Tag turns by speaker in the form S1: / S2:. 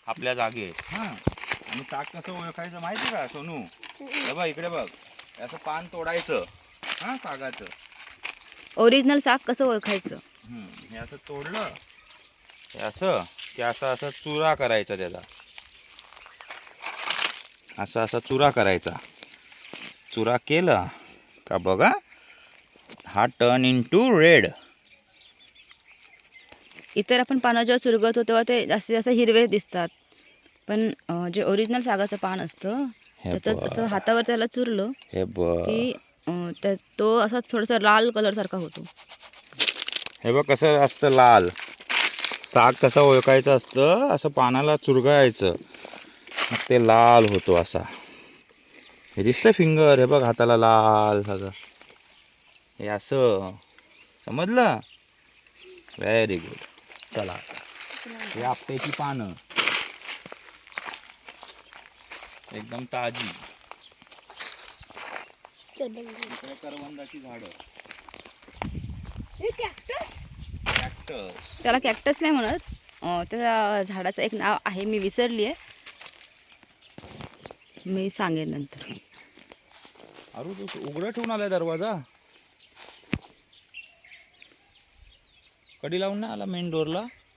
S1: आपल्या जागेत. हा, आणि साग कसं ओळखायचं माहिती का सोनू? हे बघ इकडे बघ, असं पान तोडायचं हा सागाचं.
S2: ओरिजिनल साग कसं ओळखायचं?
S1: हे असं तोडलं, हे असं की असं असं चुरा करायचा त्याचा, असा असा चुरा करायचा. चुरा केला का बघा, हा टर्न इन टू रेड.
S2: इतर आपण पानं जेव्हा चुरगळतो तेव्हा ते जास्तीत जास्त हिरवे दिसतात, पण जे ओरिजिनल सागाचं पान असतं
S1: हे
S2: त्याचं असं
S1: बघ,
S2: हातावर त्याला चुरलं
S1: हे बघ,
S2: की तो असा थोडासा लाल कलर सारखा होतो.
S1: हे बघ कसं असतं लाल. साग कसं ओळखायचं असतं, असं पानाला चुरगायचं, मग ते लाल होतो असा. हे दिसतं फिंगर, हे बघ हाताला लाल सगळं, हे असं समजलं. Very good. चला, हे आपट्याची पानं एकदम ताजी. इकडे करवंदाची झाडं. कॅक्टस.
S2: त्याला कॅक्टस नाही म्हणत, त्या झाडाचं एक नाव आहे, मी विसरली आहे, मी सांगेन नंतर.
S1: अरे तू उघडं ठेवून आलाय दरवाजा, कडी लावून नाही आला मेन डोरला.